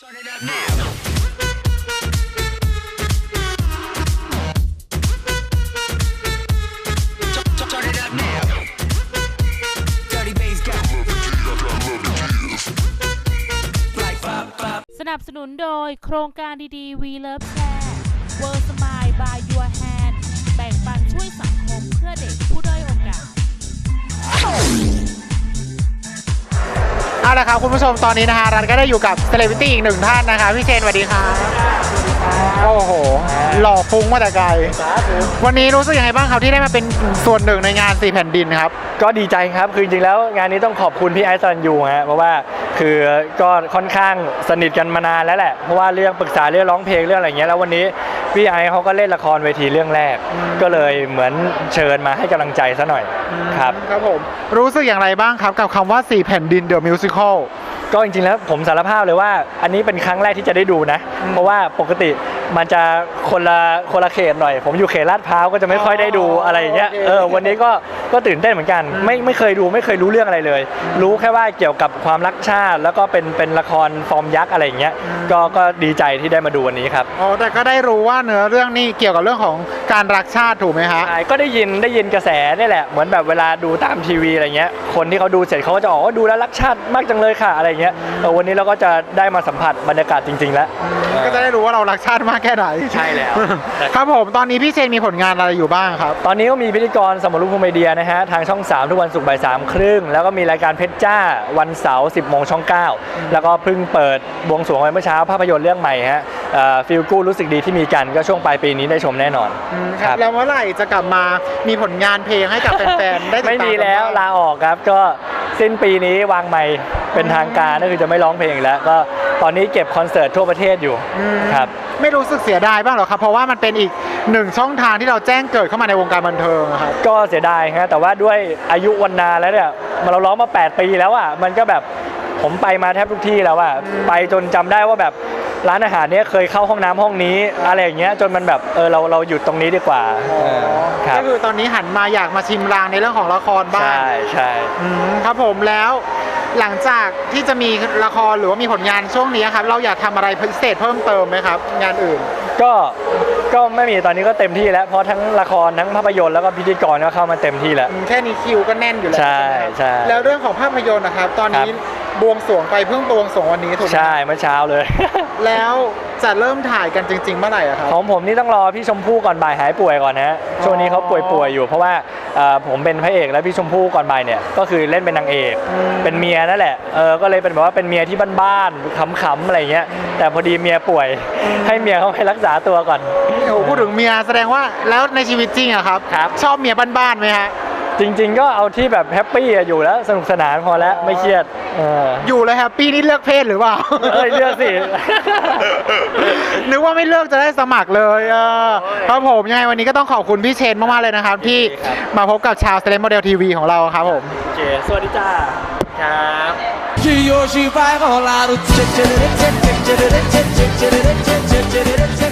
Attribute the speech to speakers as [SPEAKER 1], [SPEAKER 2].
[SPEAKER 1] สนับสนุนโดยโครงการดีๆ We Love Share World Smile by Your Hand แบ่งปันช่วยสังคมเพื่อเด็กผู้ด้อยโอกาส
[SPEAKER 2] เอาละครับคุณผู้ชมตอนนี้นะฮะรันก็ได้อยู่กับเซเลบริตี้อีกหนึ่งท่านนะคะพี่เชนสวัสดีครับโอ้โหหล่อฟุ้งมาแต่ไกลวันนี้รู้สึกยังไงบ้างครับที่ได้มาเป็นส่วนหนึ่งในงาน4แผ่นดินครับ
[SPEAKER 3] ก็ดีใจครับคือจริงๆแล้วงานนี้ต้องขอบคุณพี่ไอซ์ สรัญยูฮะเพราะว่าคือก็ค่อนข้างสนิทกันมานานแล้วแหละเพราะว่าเรื่องปรึกษาเรื่องร้องเพลงเรื่องอะไรเงี้ยแล้ววันนี้พี่ไอซ์เขาก็เล่นละครเวทีเรื่องแรกก็เลยเหมือนเชิญมาให้กำลังใจซะหน่อยครับ
[SPEAKER 2] ครับผมรู้สึกอย่างไรบ้างครับกับคำว่า4แผ่นดิน The Musical
[SPEAKER 3] ก็จริงๆแล้วผมสารภาพเลยว่าอันนี้เป็นครั้งแรกที่จะได้ดูนะเพราะว่าปกติมันจะคนละเขตหน่อยผมอยู่เขตลาดพร้าวก็จะไม่ค่อยได้ดูอะไรอย่างเงี้ยวันนี้ก็ตื่นเต้นเหมือนกันไม่เคยดูไม่เคยรู้เรื่องอะไรเลยรู้แค่ว่าเกี่ยวกับความรักชาติแล้วก็เป็นละครฟอร์มยักษ์อะไรอย่างเงี้ยก็ดีใจที่ได้มาดูวันนี้ครับ
[SPEAKER 2] อ๋อแต่ก็ได้รู้ว่าเนื้อเรื่องนี้เกี่ยวกับเรื่องของการรักชาติถูกไหมฮะ
[SPEAKER 3] ใช่ก็ได้ยินกระแสนี่แหละเหมือนแบบเวลาดูตามทีวีอะไรเงี้ยคนที่เขาดูเสร็จเขาก็จะบอกว่าดูแล้วรักชาติมากจังเลยค่ะอะไรเงี้ยวันนี้เราก็จะได้มาสัมผัสบรรยากาศจริงๆแล้ว
[SPEAKER 2] ก็จะได้รู้ว่าเรารักชาติมากแค่ไหน
[SPEAKER 3] ใช่แล้ว
[SPEAKER 2] ครับผมตอนนี้พี่เชนมีผลงานอะไรอยู่บ้างครับ
[SPEAKER 3] ตอนนี้ก็มีพิธีกรสมรุปภูมิเดียนะฮะทางช่อง3ทุกวันศุกร์บ่าย 3:30แล้วก็มีรายการเพชรจ้าวันเสาร์ 10 โมงช่อง 9แล้วก็เพิ่งเปิดบวงสรวงไปเมื่อเช้าภาพยนตร์เรื่องใหม่ฮะฟีลกู๊ดรู้สึกดีที่มีกันก็ช่วงปลายปีนี้ได้ชมแน่นอน
[SPEAKER 2] ครับแล้วเมื่อไหร่จะกลับมามีผลงานเพลงให้กับแฟนๆได้ติดตาม
[SPEAKER 3] ไม่มีแล้วลาออกครับก็สิ้นปีนี้วางใหม่เป็นทางการก็คือจะไม่ร้องเพลงแล้วก็ตอนนี้เก็บคอนเสิร์ตทั่วประเทศอยู่ครับ
[SPEAKER 2] ไม่รู้สึกเสียดายบ้างหรอครับเพราะว่ามันเป็นอีกหนึ่งช่องทางที่เราแจ้งเกิดเข้ามาในวงการบันเทิงครับ
[SPEAKER 3] ก็เสียดายฮะแต่ว่าด้วยอายุวันนาแล้วเนี่ยเราร้องมา8 ปีแล้วอ่ะมันก็แบบผมไปมาแทบทุกที่แล้วอ่ะไปจนจำได้ว่าแบบร้านอาหารเนี้ยเคยเข้าห้องน้ำห้องนี้อะไรอย่างเงี้ยจนมันแบบเราหยุดตรงนี้ดีกว่า
[SPEAKER 2] ก็คือตอนนี้หันมาอยากมาชิมรางในเรื่องของละครบ้าง
[SPEAKER 3] ใช่
[SPEAKER 2] ครับผมแล้วหลังจากที่จะมีละครหรือว่ามีผลงานช่วงนี้ครับเราอยากทำอะไรพิเศษเพิ่มเติมไหมครับงานอื่น
[SPEAKER 3] ก็ไม่มีตอนนี้ก็เต็มที่แล้วเพราะทั้งละครทั้งภาพยนตร์แล้วก็พิธีกรก็เข้ามาเต็มที่แล้ว
[SPEAKER 2] แค่นี้คิวก็แน่นอยู่แล้ว
[SPEAKER 3] ใช่
[SPEAKER 2] แล้วเรื่องของภาพยนตร์นะครับตอนนี้บวงสรวงไปเพิ่งบวงสรวงวันนี้ถูกไหม
[SPEAKER 3] ใช่เมื่อเช้าเลย
[SPEAKER 2] แล้วจะเริ่มถ่ายกันจริงๆเมื่อไหร่ครับ
[SPEAKER 3] ของผมนี่ต้องรอพี่ชมพู่ก่อนบ่ายหายป่วยก่อนนะช่วงนี้เขาป่วยอยู่เพราะว่าผมเป็นพระเอกแล้วพี่ชมพู่ก่อนบ่ายเนี่ยก็คือเล่นเป็นนางเอกเป็นเมียนั่นแหละก็เลยเป็นแบบว่าเป็นเมียที่บ้านๆขำๆอะไรเงี้ยแต่พอดีเมียป่วยให้เมียเขาไปรักษาตัวก่อน
[SPEAKER 2] โอ้พูดถึงเมียแสดงว่าแล้วในชีวิตจริงอะครับชอบเมียบ้านๆไหมฮะ
[SPEAKER 3] จริงๆก็เอาที่แบบแฮปปี้อยู่แล้วสนุกสนานพอแล้วไม่เครียด
[SPEAKER 2] อยู่แล้วแฮปปี้นี่เลือกเพศหรือเปล่า
[SPEAKER 3] เลือกสิ
[SPEAKER 2] นึกว่าไม่เลือกจะได้สมัครเลยครับผมยังไงวันนี้ก็ต้องขอบคุณพี่เชนมากๆเลยนะครับที่มาพบกับชาวเซเลบโมเดลทีวีของเราครับผม
[SPEAKER 3] โอเคสวัสดีจ้าครับ